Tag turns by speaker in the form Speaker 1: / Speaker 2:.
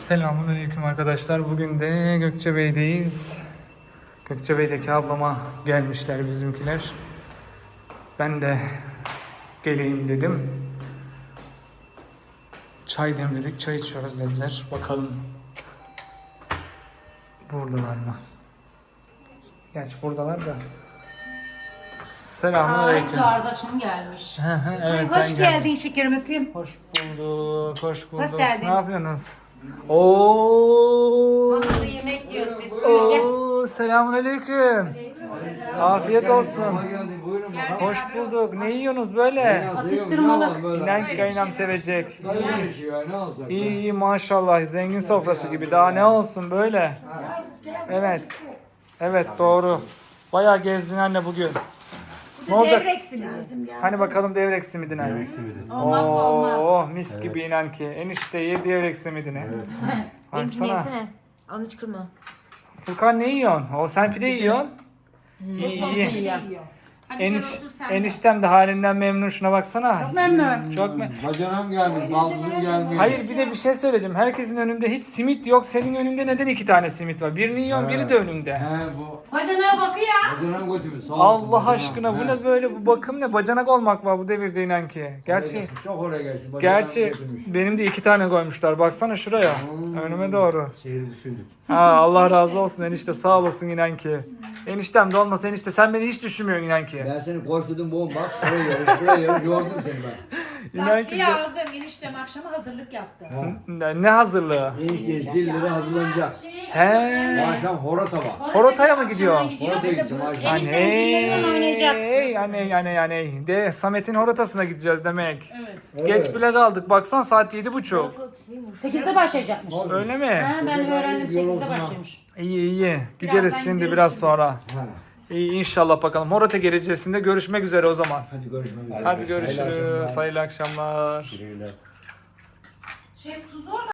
Speaker 1: Selamünaleyküm arkadaşlar. Bugün de Gökçebey'deyiz. Gökçebey'deki ablama gelmişler bizimkiler. Ben de geleyim dedim. Çay demledik, çay içiyoruz dediler. Bakalım buradalar mı? Gerçi buradalar da. Selamünaleyküm.
Speaker 2: Kardeşim gelmiş.
Speaker 1: Evet,
Speaker 2: Hoş
Speaker 1: ben
Speaker 2: geldin
Speaker 1: geldim.
Speaker 2: şekerim, öpeyim.
Speaker 1: Hoş bulduk, hoş bulduk.
Speaker 2: Hoş geldin.
Speaker 1: Ne yapıyorsunuz? Oo.
Speaker 2: Masada yemek yiyoruz biz böyle.
Speaker 1: Oo, selamünaleyküm. Afiyet olsun.
Speaker 3: Buyurun bakalım.
Speaker 1: Hoş bulduk. Ne yiyorsunuz böyle?
Speaker 2: Atıştırmalık.
Speaker 1: İnan ki kaynam sevecek.
Speaker 3: Ne iş ya, ne olacak?
Speaker 1: İyi iyi maşallah. Zengin sofrası gibi. Daha ne olsun böyle? Evet. Evet doğru. Bayağı gezdin anne bugün. Ne olacak? Hani bakalım devrek simidine.
Speaker 2: Olmazsa olmaz.
Speaker 1: Oh mis gibi inan ki. Enişte ye devrek simidine.
Speaker 4: Benimkini
Speaker 1: Baksana.
Speaker 4: yesene. Onu hiç kırma.
Speaker 1: Furkan ne yiyorsun? O sen pide yiyorsun. İyi iyi.
Speaker 2: İyi.
Speaker 1: Eniştem de halinden memnun, şuna baksana.
Speaker 2: Memnun.
Speaker 1: Çok
Speaker 3: Bacanam gelmiş, baldızım gelmiş.
Speaker 1: Hayır bir de bir şey söyleyeceğim. Herkesin önünde hiç simit yok. Senin önünde neden 2 tane simit var? Birini yiyorsun, biri de önünde.
Speaker 3: He bu.
Speaker 2: Bacana bakıyor.
Speaker 3: Bacanam götürmüş. Sağ olsun
Speaker 1: Allah
Speaker 3: bacanam.
Speaker 1: aşkına bu
Speaker 3: He.
Speaker 1: ne böyle, bu bakım ne? Bacanak olmak var bu devirde inan ki. Gerçi
Speaker 3: Çok oraya geçti. Bacanam
Speaker 1: gerçi
Speaker 3: götürmüş.
Speaker 1: benim de 2 tane koymuşlar. Baksana şuraya. Önüme doğru.
Speaker 3: Şehri düşündük.
Speaker 1: Ha, Allah razı olsun enişte, sağ olasın inan ki. Eniştem de olmasa enişte sen beni hiç düşünmüyorsun inan ki.
Speaker 3: Ben seni koşturdum bu bak. Buraya yarış, buraya yarış. Yordum seni ben.
Speaker 1: İnan ki
Speaker 2: Gazeteyi aldım. Eniştem akşama hazırlık yaptı.
Speaker 1: ne hazırlığı?
Speaker 3: Enişte zilleri hazırlanacak.
Speaker 1: He.
Speaker 3: Akşam horata var.
Speaker 1: Horotaya mı gidiyor?
Speaker 3: Horotaya gideceğim akşam.
Speaker 2: Enişte zillerinden oynayacak.
Speaker 1: Yani de Samet'in horotasına gideceğiz demek.
Speaker 2: Evet.
Speaker 1: Geç bile kaldık. Baksan saat 7:30.
Speaker 2: 8'de başlayacakmış.
Speaker 1: Öyle mi?
Speaker 2: Ha, ben öğrendim 8'de
Speaker 3: Yorulsun ha.
Speaker 2: başlamış.
Speaker 1: İyi iyi. Gideriz
Speaker 2: Birazdan
Speaker 1: şimdi
Speaker 2: gideriz
Speaker 1: biraz
Speaker 2: şimdi.
Speaker 1: sonra.
Speaker 3: Ha.
Speaker 1: İyi inşallah bakalım. Horota gelecesinde görüşmek üzere o zaman.
Speaker 3: Hadi görüşmek üzere.
Speaker 1: Hadi görüşürüz. Hayırlı akşamlar.
Speaker 2: Şey tuz orada.